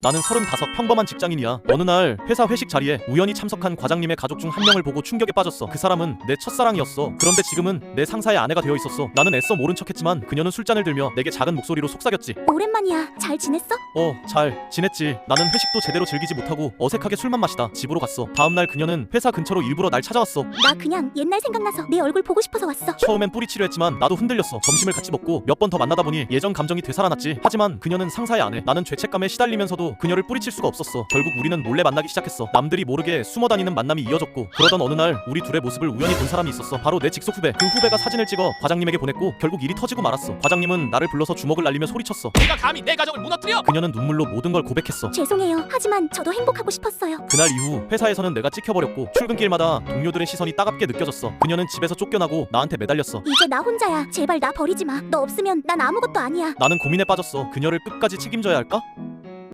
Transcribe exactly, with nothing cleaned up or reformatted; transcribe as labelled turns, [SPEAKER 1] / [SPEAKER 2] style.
[SPEAKER 1] 나는 서른다섯 평범한 직장인이야. 어느 날 회사 회식 자리에 우연히 참석한 과장님의 가족 중 한 명을 보고 충격에 빠졌어. 그 사람은 내 첫사랑이었어. 그런데 지금은 내 상사의 아내가 되어 있었어. 나는 애써 모른 척했지만 그녀는 술잔을 들며 내게 작은 목소리로 속삭였지.
[SPEAKER 2] 오랜만이야. 잘 지냈어?
[SPEAKER 1] 어, 잘 지냈지. 나는 회식도 제대로 즐기지 못하고 어색하게 술만 마시다 집으로 갔어. 다음날 그녀는 회사 근처로 일부러 날 찾아왔어.
[SPEAKER 2] 나 그냥 옛날 생각나서 내 얼굴 보고 싶어서 왔어.
[SPEAKER 1] 처음엔 뿌리치려 했지만 나도 흔들렸어. 점심을 같이 먹고 몇 번 더 만나다 보니 예전 감정이 되살아났지. 하지만 그녀는 상사의 아내, 나는 죄책감에 시달리면서도 그녀를 뿌리칠 수가 없었어. 결국 우리는 몰래 만나기 시작했어. 남들이 모르게 숨어다니는 만남이 이어졌고, 그러던 어느 날 우리 둘의 모습을 우연히 본 사람이 있었어. 바로 내 직속 후배. 그 후배가 사진을 찍어 과장님에게 보냈고 결국 일이 터지고 말았어. 과장님은 나를 불러서 주먹을 날리며 소리쳤어.
[SPEAKER 3] 내가 감히 내 가정을 무너뜨려?
[SPEAKER 1] 그녀는 눈물로 모든 걸 고백했어.
[SPEAKER 2] 죄송해요. 하지만 저도 행복하고 싶었어요.
[SPEAKER 1] 그날 이후 회사에서는 내가 찍혀버렸고 출근길마다 동료들의 시선이 따갑게 느껴졌어. 그녀는 집에서 쫓겨나고 나한테 매달렸어.
[SPEAKER 2] 이제 나 혼자야. 제발 나 버리지 마. 너 없으면 난 아무것도 아니야.
[SPEAKER 1] 나는 고민에 빠졌어. 그녀를 끝까지 책임져야 할까?